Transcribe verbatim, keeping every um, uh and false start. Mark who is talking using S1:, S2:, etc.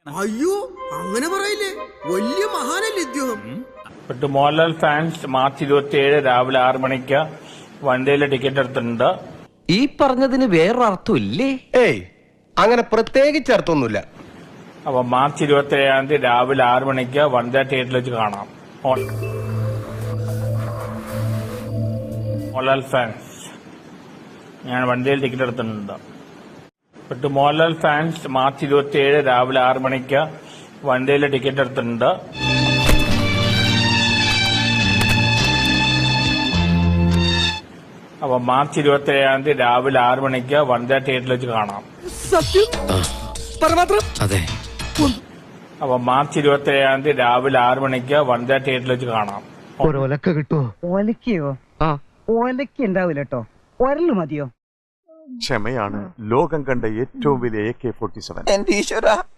S1: അയ്യോ അങ്ങനെ പറയില്ലേ, വലിയ മഹാനല്ലേ ഇദ്ദേഹം.
S2: മോഹൻലാൽ ഫാൻസ് മാർച്ച് ഇരുപത്തി ഏഴ് രാവിലെ ആറ് മണിക്ക് വണ്ടിയിലെ ടിക്കറ്റ് എടുത്തിട്ടുണ്ട്.
S3: ഈ പറഞ്ഞതിന് വേറൊരർത്ഥം ഇല്ലേ?
S4: ഏയ് അങ്ങനെ പ്രത്യേകിച്ച് അർത്ഥമൊന്നുമില്ല.
S2: അപ്പൊ മാർച്ച് ഇരുപത്തി ഏഴാം തീയതി രാവിലെ ആറ് മണിക്ക് വനിതാ തിയേറ്ററിൽ വെച്ച് കാണാം. മോഹൻലാൽ ഫാൻസ് ഞാൻ വണ്ടിയിൽ ടിക്കറ്റ് എടുത്തിട്ടുണ്ട്. ബട്ട് മോഹൻലാൽ ഫാൻസ് മാർച്ച് ഇരുപത്തി ഏഴ് രാവിലെ ആറ് മണിക്ക് വണ്ടിയിലെ ടിക്കറ്റ് എടുത്തിട്ടുണ്ട്. അപ്പൊ മാർച്ച് ഇരുപത്തി ഏഴാം തീയതി രാവിലെ ആറ് മണിക്ക് വനിതാ തിയേറ്ററിൽ വെച്ച് കാണാം.
S3: അതെ.
S2: അപ്പൊ മാർച്ച് ഇരുപത്തി ഏഴാം തീയതി രാവിലെ ആറ് മണിക്ക് വനിതാ തിയേറ്ററിൽ വെച്ച് കാണാം.
S5: ഒലക്ക കിട്ടുമോ? ഒലക്കയോ? ആ ഒലക്ക ഉണ്ടാവില്ല കേട്ടോ, ഒരല് മതിയോ?
S6: ക്ഷമയാണ് ലോകം കണ്ട ഏറ്റവും വലിയ എ കെ ഫോർട്ടി സെവൻ.
S7: എന്റെ ഈശ്വര